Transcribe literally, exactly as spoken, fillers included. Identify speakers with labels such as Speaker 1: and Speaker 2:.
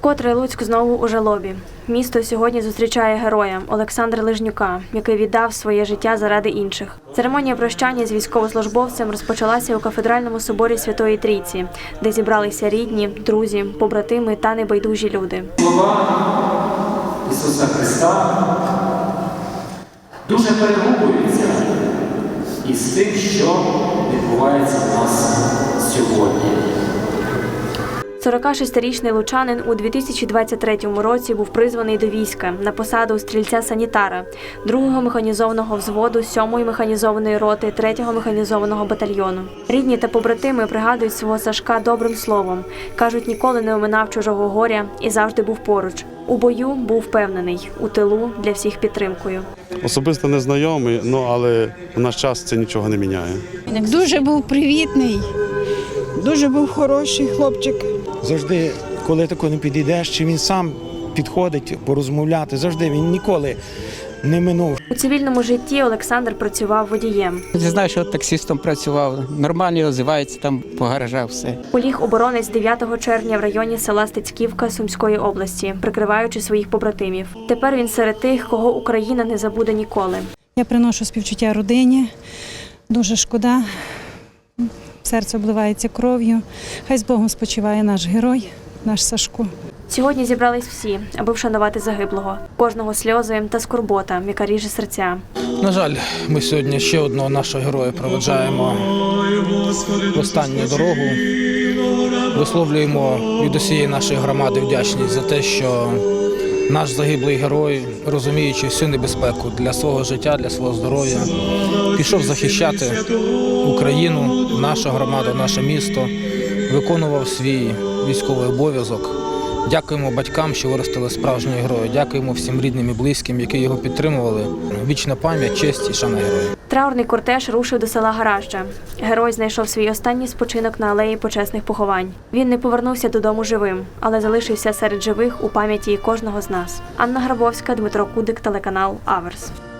Speaker 1: Вкотре Луцьк знову у жалобі. Місто сьогодні зустрічає героя Олександра Лижнюка, який віддав своє життя заради інших. Церемонія прощання з військовослужбовцем розпочалася у кафедральному соборі Святої Трійці, де зібралися рідні, друзі, побратими та небайдужі люди.
Speaker 2: Слова Ісуса Христа дуже перегукуються із тим, що відбувається в нас сьогодні.
Speaker 1: сорокашестирічний лучанин у дві тисячі двадцять третьому році був призваний до війська на посаду стрільця-санітара другого механізованого взводу сьомої механізованої роти третього механізованого батальйону. Рідні та побратими пригадують свого Сашка добрим словом. Кажуть, ніколи не оминав чужого горя і завжди був поруч. У бою був впевнений, у тилу для всіх підтримкою.
Speaker 3: Особисто не знайомий, ну, але в наш час це нічого не міняє.
Speaker 4: Дуже був привітний, дуже був хороший хлопчик.
Speaker 5: Завжди, коли тако не підійдеш, чи він сам підходить порозмовляти, завжди він ніколи не минув.
Speaker 1: У цивільному житті Олександр працював водієм.
Speaker 6: Я знаю, що таксистом працював, нормально озивається там по гаражах все.
Speaker 1: Поліг оборонець дев'ятого червня в районі села Стецьківка Сумської області, прикриваючи своїх побратимів. Тепер він серед тих, кого Україна не забуде ніколи.
Speaker 7: Я приношу співчуття родині, дуже шкода, серце обливається кров'ю. Хай з Богом спочиває наш герой, наш Сашко.
Speaker 1: Сьогодні зібрались всі, аби вшанувати загиблого. Кожного сльози та скорбота, яка ріже серця.
Speaker 8: На жаль, ми сьогодні ще одного нашого героя проведжаємо в останню дорогу. Висловлюємо від усієї нашої громади вдячність за те, що наш загиблий герой, розуміючи всю небезпеку для свого життя, для свого здоров'я, пішов захищати Україну, нашу громаду, наше місто, виконував свій військовий обов'язок. Дякуємо батькам, що виростили справжнього героя. Дякуємо всім рідним і близьким, які його підтримували. Вічна пам'ять, честь і шана героя.
Speaker 1: Траурний кортеж рушив до села Гаражджа. Герой знайшов свій останній спочинок на алеї почесних поховань. Він не повернувся додому живим, але залишився серед живих у пам'яті кожного з нас. Анна Грабовська, Дмитро Кудик, телеканал Аверс.